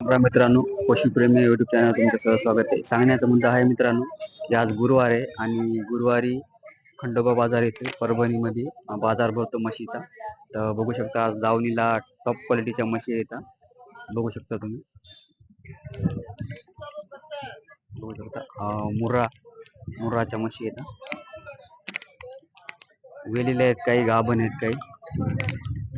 राम मित्रांनो, पशुप्रेमी YouTube channel तुमचं स्वागत आहे. सांगण्याचा मुद्दा आहे मित्रांनो, की आज गुरुवार आहे आणि गुरुवारी खंडोबा बाजार येथे परभणीमध्ये बाजार भरतो म्हशीचा. तर बघू शकता आज दावणीला टॉप क्वालिटीच्या म्हशी येतात. बघू शकता तुम्ही, बघू शकता मुर्राच्या म्हशी येतात. वेलेले आहेत काही, गाभण आहेत काही.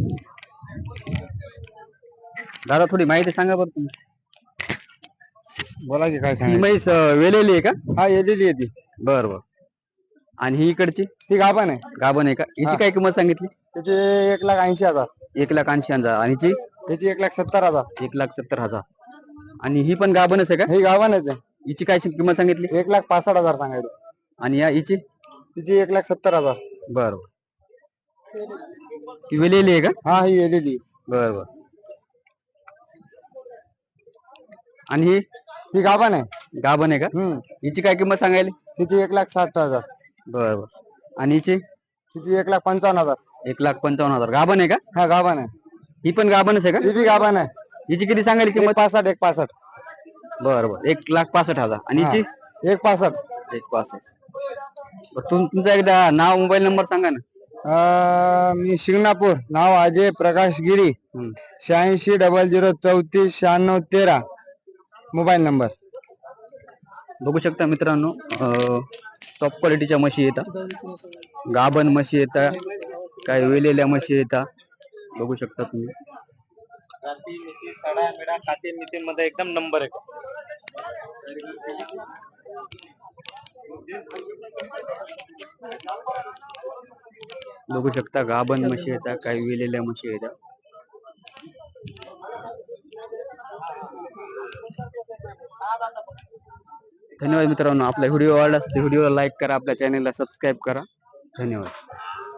दादा थोडी माहिती सांगा बरं तुम्ही. बोला की काय ही सांगायचं. म्हैस वेलेली आहे का? हा येलेली आहे ती. बर बर. आणि ही इकडची ती गाभण आहे. गाभण आहे का? हिची काय किंमत सांगितली? त्याचे 1,80,000. 1,80,000. आणि हिची त्याची 1,70,000. 1,70,000. आणि ही पण गाभणच आहे का? ही गाभणच आहे. हिची काय किंमत सांगितली? 1,65,000 सांगायचं. आणि या हिची? तिची 1,70,000. बर. ती वेलेली आहे का? हा ही येलेली. बर बर. आणि ही ती गाभण आहे. गाभण आहे का? हिची काय किंमत सांगायली? तिची 1,60,000. बर बर. आणि हिची? तिची 1,55,000. 1,55,000. गाभण आहे का? हा गाभण आहे. ही पण गाभणच आहे का? ती बी गाभण आहे. हिची किती सांगायली किंमत? 1,65,000. बर बर. 1,65,000. आणि हिची? 1,65,000. 1,65,000. तुमचा एकदा नाव मोबाईल नंबर सांगा ना. मी शिंगणापूर. नाव अजय प्रकाश गिरी. 8600349613 mobile number. बघू शकता मित्रांनो, टॉप क्वालिटीच्या म्हशी येतात. गाभण म्हशी येतात, काही वेलेल्या म्हशी येतात. बघू शकता तुम्ही. जाती मिती सडा मेडा खाते मिती मध्ये एकदम नंबर आहे. बघू शकता गाभण म्हशी येतात, काही वेलेल्या म्हशी येतात. धन्यवाद मित्रांनो. आपला व्हिडिओ आवडला असेल तर व्हिडिओला लाईक करा, आपल्या चॅनलला सबस्क्राईब करा. धन्यवाद.